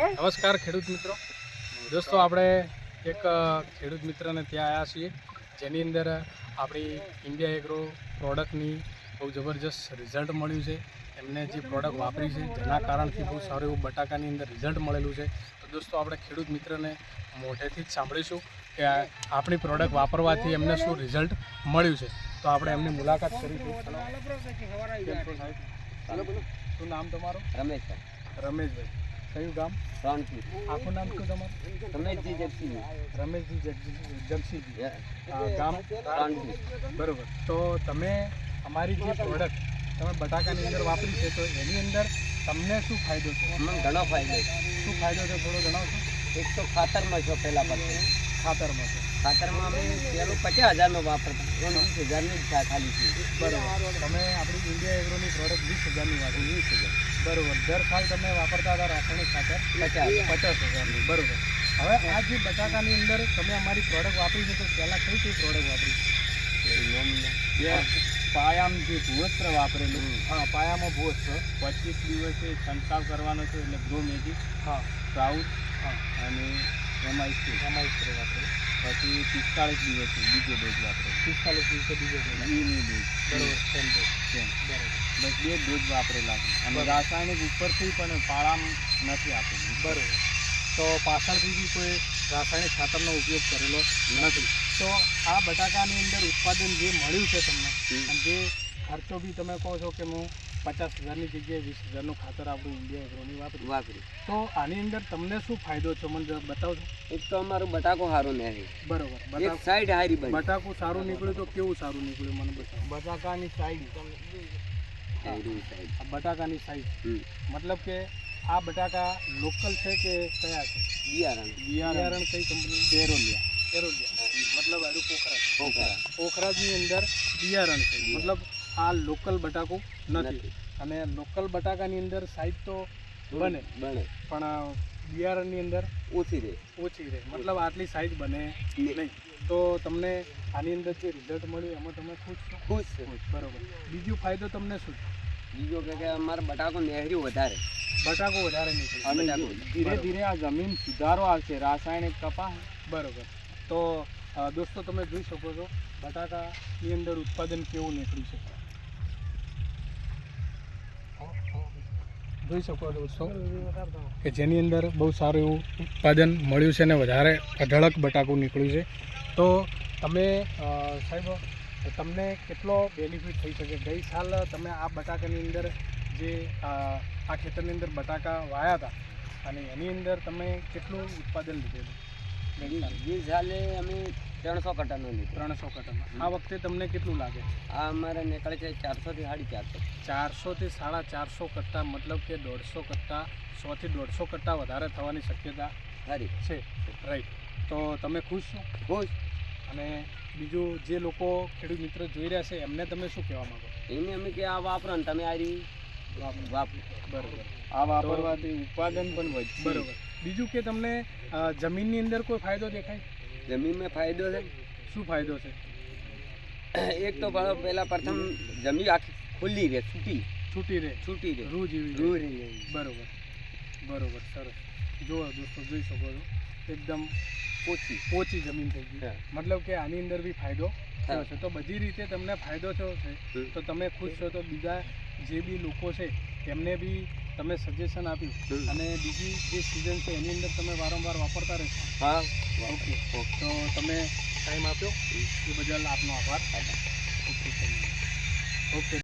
નમસ્કાર ખેડૂત મિત્રો. દોસ્તો આપણે એક ખેડૂત મિત્રને ત્યાં આવ્યા છીએ જેની અંદર આપણી ઇન્ડિયા એગ્રો પ્રોડક્ટની બહુ જબરજસ્ત રિઝલ્ટ મળ્યું છે. એમને જે પ્રોડક્ટ વાપરી છે જેના કારણથી બહુ સારું એવું બટાકાની અંદર રિઝલ્ટ મળેલું છે. તો દોસ્તો આપણે ખેડૂત મિત્રને મોઢેથી જ સાંભળીશું કે આપણી પ્રોડક્ટ વાપરવાથી એમને શું રિઝલ્ટ મળ્યું છે. તો આપણે એમની મુલાકાત કરીશું. શું નામ તમારું? રમેશભાઈ. કયું ગામ? આખું નામ શું તમારું? રમેશજી જગસીજી. ગામ બરોબર. તો તમે અમારી જે પ્રોડક્ટ તમે બટાકાની અંદર વાપરી છે તો એની અંદર તમને શું ફાયદો છે? ઘણો ફાયદો. શું ફાયદો છે થોડો જણાવશો? એક તો ખાતરમાં છો પહેલાં પછી ખાતરમાં છે. ખાતરમાં અમે પેલું 50,000નું વાપરતા 20,000ની જ ખાલી છે. બરોબર. તમે આપણી ઇન્ડિયા એગ્રોની પ્રોડક્ટ 20,000ની વાપરી. 20,000 બરોબર. દર સાલ તમે વાપરતા હતા રાસાયણિક ખાતર 50,000ની. બરોબર. હવે આ જે બટાકાની અંદર તમે અમારી પ્રોડક્ટ વાપરી છે તો પહેલાં કઈ પ્રોડક્ટ વાપરી? પાયામાં જે ભૂવસ્ત્ર વાપરેલું. હા, પાયામાં ભૂવસ્ત્ર. 25 દિવસે છંટકાવ કરવાનો છે એટલે ગ્રો મેજિક, હા, સ્પ્રાઉટ હા, અને એમાં સ્પ્રે વાપરેલું. પછી 45 દિવસે બીજો ડોઝ વાપરેલો. 45 દિવસે બીજો ડોઝ. ઈની ડોઝ. બરોબર. Same dose. બરોબર. બરોબર. બસ 2 ડોઝ વાપરેલા છે અને બરોબર. રાસાયણિક ઉપરથી પણ પાળામાં નથી આપેલું. બરોબર. તો પાછળથી બી કોઈ રાસાયણિક ખાતરનો ઉપયોગ કરેલો નથી. તો આ બટાકાની અંદર ઉત્પાદન જે મળ્યું છે તમને અને જે ખર્ચો બી તમે કહો છો કે હું 50,000ની જગ્યાએ 20,000નું ખાતર આપણું ઇન્ડિયા એગ્રોની વાપરી, તો આની અંદર તમને શું ફાયદો છે મને બતાવજો. એક તો અમારું બટાકો સારું નહીં. બરોબર. એક સાઈડ હારી બની. બટાકું સારું નીકળ્યું તો કેવું સારું નીકળ્યું મને બતાવો. બટાકાની સાઈડ આ બટાકાની સાઈઝ મતલબ કે આ બટાકા લોકલ છે કે કયા છે? બિયારણ કઈ કંપની? પેરોલિયા. મતલબ આનું પોખરાજની અંદર બિયારણ છે. મતલબ આ લોકલ બટાકું નથી. અને લોકલ બટાકાની અંદર સાઈઝ તો બને પણ બિયારણની અંદર ઓછી રહે. મતલબ આટલી સાઈઝ બને નહીં. તો તમને આની અંદર જે રિઝલ્ટ મળ્યું એમાં તમે ખુશ છો? બરોબર. બીજો ફાયદો તમને શું છે? બીજો કે અમારે બટાકો નહેર્યું વધારે. બટાકો વધારે નીકળે અને ધીરે ધીરે આ જમીન સુધારો આવશે રાસાયણિક કપા. બરોબર. તો દોસ્તો તમે જોઈ શકો છો બટાકાની અંદર ઉત્પાદન કેવું નીકળ્યું છે. જોઈ શકો છો દોસ્તો કે જેની અંદર બહુ સારું એવું ઉત્પાદન મળ્યું છે અને વધારે અઢળક બટાકું નીકળ્યું છે. તો તમે સાહેબ તમને કેટલો બેનિફિટ થઈ શકે? ગઈ સાલ તમે આ બટાકાની અંદર જે આ ખેતરની અંદર બટાકા વાયા હતા અને એની અંદર તમે કેટલું ઉત્પાદન લીધેલું? જે સાલે અમે 300 કટ્ટાનો લીધો. 300 કટ્ટામાં. આ વખતે તમને કેટલું લાગે? આ અમારે નીકળે છે 400 થી 450. 400 થી 450 કટ્ટા. મતલબ કે 150 કટ્ટા, 100 થી 150 કટ્ટા વધારે થવાની શક્યતા સારી છે. રાઈટ. તો તમે ખુશ છો? ખુશ. અને બીજું જે લોકો ખેડૂત મિત્રો જોઈ રહ્યા છે એમને તમે શું કહેવા માંગો? એને અમે કે આ વાપરો ને તમે આ રહી વાપરો. બરોબર. આ વાપરવાથી ઉત્પાદન પણ વધશે. બરોબર. બીજું કે તમને જમીનની અંદર કોઈ ફાયદો દેખાય? જમીનમાં ફાયદો છે. શું ફાયદો છે? એક તો પહેલા પ્રથમ જમીન આખી ખુલ્લી રહે, છૂટી રહે. રૂ જેવી રૂ રહે. રહે. બરોબર. સરસ. જુઓ દોસ્તો જોઈ શકો છો એકદમ પોચી જમીન થઈ ગઈ. મતલબ કે આની અંદર બી ફાયદો થયો છે. તો બધી રીતે તમને ફાયદો થયો છે તો તમે ખુશ છો. તો બીજા જે બી લોકો છે એમને બી તમે સજેશન આપ્યું અને બીજી જે સિઝન છે એની અંદર તમે વારંવાર વાપરતા રહેશો. હા. ઓકે. તો તમે ટાઈમ આપ્યો એ બદલ આપનો આભાર. ઓકે.